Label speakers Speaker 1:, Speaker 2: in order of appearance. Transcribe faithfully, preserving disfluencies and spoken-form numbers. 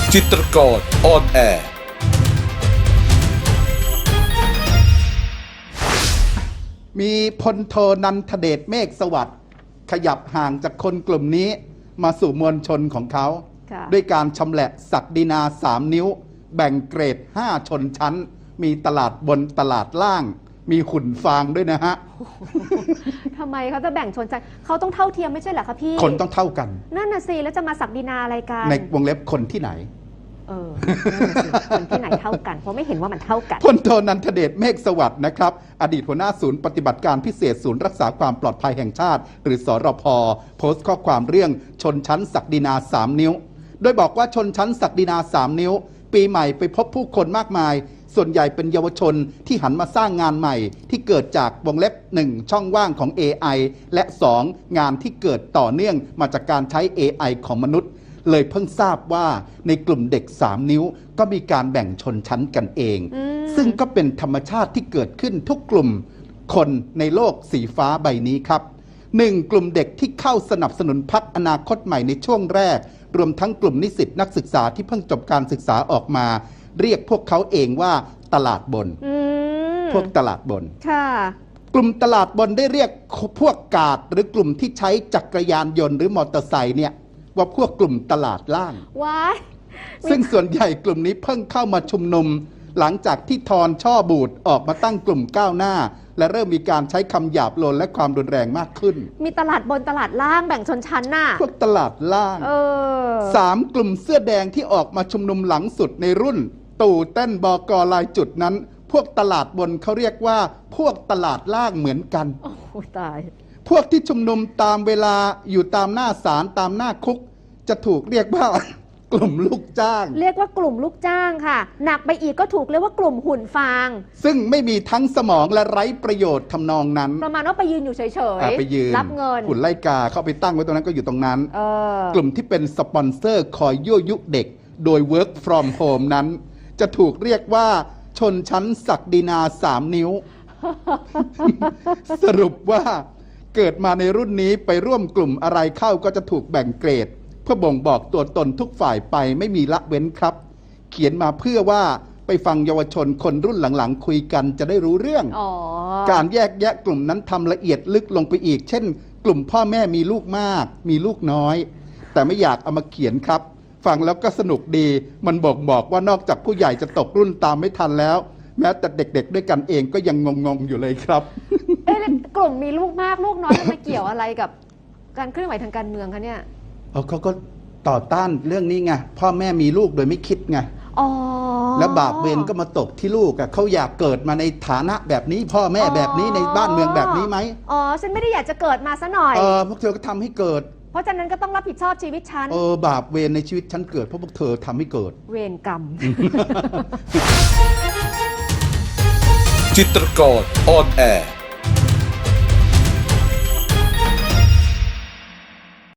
Speaker 1: จิตรกรออนแอร์
Speaker 2: มีพลโทนันทเดชเมฆสวัสดิ์ขยับห่างจากคนกลุ่มนี้มาสู่มวลชนของเขาด้วยการชำแหละศักดินาสามนิ้วแบ่งเกรดห้าชนชั้นมีตลาดบนตลาดล่างมีขุนฟางด้วยนะฮะ
Speaker 3: ทำไมเขาจะแบ่งชนชั้นเขาต้องเท่าเทียมไม่ใช่เหรอคะพี่
Speaker 2: คนต้องเท่ากัน
Speaker 3: นั่นน่ะสิแล้วจะมาศักดินาอะไรกัน
Speaker 2: ในวงเล็บคนที่ไหน
Speaker 3: เออคนที่ไหนเท่ากันเพราะไม่เห็นว่ามันเท่ากัน
Speaker 2: พลโทนันทเดชเมฆสวัสดิ์นะครับอดีตหัวหน้าศูนย์ปฏิบัติการพิเศษศูนย์รักษาความปลอดภัยแห่งชาติหรือสรพโพสต์ข้อความเรื่องชนชั้นศักดินาสามนิ้วโดยบอกว่าชนชั้นศักดินาสามนิ้วปีใหม่ไปพบผู้คนมากมายส่วนใหญ่เป็นเยาวชนที่หันมาสร้างงานใหม่ที่เกิดจากวงเล็บหนึ่งช่องว่างของ เอ ไอ และสองงานที่เกิดต่อเนื่องมาจากการใช้ เอ ไอ ของมนุษย์เลยเพิ่งทราบว่าในกลุ่มเด็กสามนิ้วก็มีการแบ่งชนชั้นกันเองซึ่งก็เป็นธรรมชาติที่เกิดขึ้นทุกกลุ่มคนในโลกสีฟ้าใบนี้ครับหนึ่งกลุ่มเด็กที่เข้าสนับสนุนพรรคอนาคตใหม่ในช่วงแรกรวมทั้งกลุ่มนิสิตนักศึกษาที่เพิ่งจบการศึกษาออกมาเรียกพวกเขาเองว่าตลาดบนพวกตลาดบนกลุ่มตลาดบนได้เรียกพวกกาดหรือกลุ่มที่ใช้จักรยานยนต์หรือมอเตอร์ไซค์เนี่ยว่าพวกกลุ่มตลาดล่าง
Speaker 3: ว้าย
Speaker 2: ซึ่งส่วนใหญ่กลุ่มนี้เพิ่งเข้ามาชุมนุมหลังจากที่ทอนช่อบูดออกมาตั้งกลุ่มก้าวหน้าและเริ่มมีการใช้คำหยาบโลนและความรุนแรงมากขึ้น
Speaker 3: มีตลาดบนตลาดล่างแบ่งชนชั้นน่ะ
Speaker 2: พวกตลาดล่าง
Speaker 3: เออ
Speaker 2: สามกลุ่มเสื้อแดงที่ออกมาชุมนุมหลังสุดในรุ่นตู่เต้นบกลายจุดนั้นพวกตลาดบนเขาเรียกว่าพวกตลาดล่างเหมือนกัน
Speaker 3: โอ้ตาย
Speaker 2: พวกที่ชุมนุมตามเวลาอยู่ตามหน้าศาลตามหน้าคุกจะถูกเรียกว่ากลุ่มลูกจ้าง
Speaker 3: เรียกว่ากลุ่มลูกจ้างค่ะหนักไปอีกก็ถูกเรียกว่ากลุ่มหุ่นฟาง
Speaker 2: ซึ่งไม่มีทั้งสมองและไร้ประโยชน์ทำนองนั้น
Speaker 3: ประมาณว่าไปยืนอยู่เฉย
Speaker 2: ๆไปยืน
Speaker 3: รับเงิน
Speaker 2: หุ่นไล่กาเข้าไปตั้งไว้ตรงนั้นก็อยู่ตรงนั้นกลุ่มที่เป็นสปอนเซอร์คอยยั่วยุเด็กโดย work from home นั้นจะถูกเรียกว่าชนชั้นศักดินาสามนิ้ว สรุปว่าเกิดมาในรุ่นนี้ไปร่วมกลุ่มอะไรเข้าก็จะถูกแบ่งเกรดเพื่อบ่งบอกตัวตนทุกฝ่ายไปไม่มีละเว้นครับเขียนมาเพื่อว่าไปฟังเยาวชนคนรุ่นหลังๆคุยกันจะได้รู้เรื่องการแยกแยะกลุ่มนั้นทำละเอียดลึกลงไปอีกเช่นกลุ่มพ่อแม่มีลูกมากมีลูกน้อยแต่ไม่อยากเอามาเขียนครับฟังแล้วก็สนุกดีมันบอกบอกว่านอกจากผู้ใหญ่จะตกรุ่นตามไม่ทันแล้วแม้แต่เด็กๆด้วยกันเองก็ยังงงๆอยู่เลยครับ
Speaker 3: เอ๊ะกลุ่มมีลูกมากลูกน้อยมันมาเกี่ยวอะไรกับการเคลื่อนไหวทางการเมืองคะเนี่ย
Speaker 2: เขาก็ต่อต้านเรื่องนี้ไงพ่อแม่มีลูกโดยไม่คิดไงแล้วบาปเวรก็มาตกที่ลูกอ่ะเขาอยากเกิดมาในฐานะแบบนี้พ่อแม่แบบนี้ในบ้านเมืองแบบนี้ไหม
Speaker 3: อ๋อฉันไม่ได้อยากจะเกิดมาซะหน่อย
Speaker 2: เออพวกเธอก็ทำให้เกิด
Speaker 3: เพราะฉะนั้นก็ต้องรับผิดชอบชีวิตฉัน
Speaker 2: เออบาปเวรในชีวิตฉันเกิดเพราะพวกเธอทำให้เกิด
Speaker 3: เวรกรรม
Speaker 1: จิตรกรออนแอร์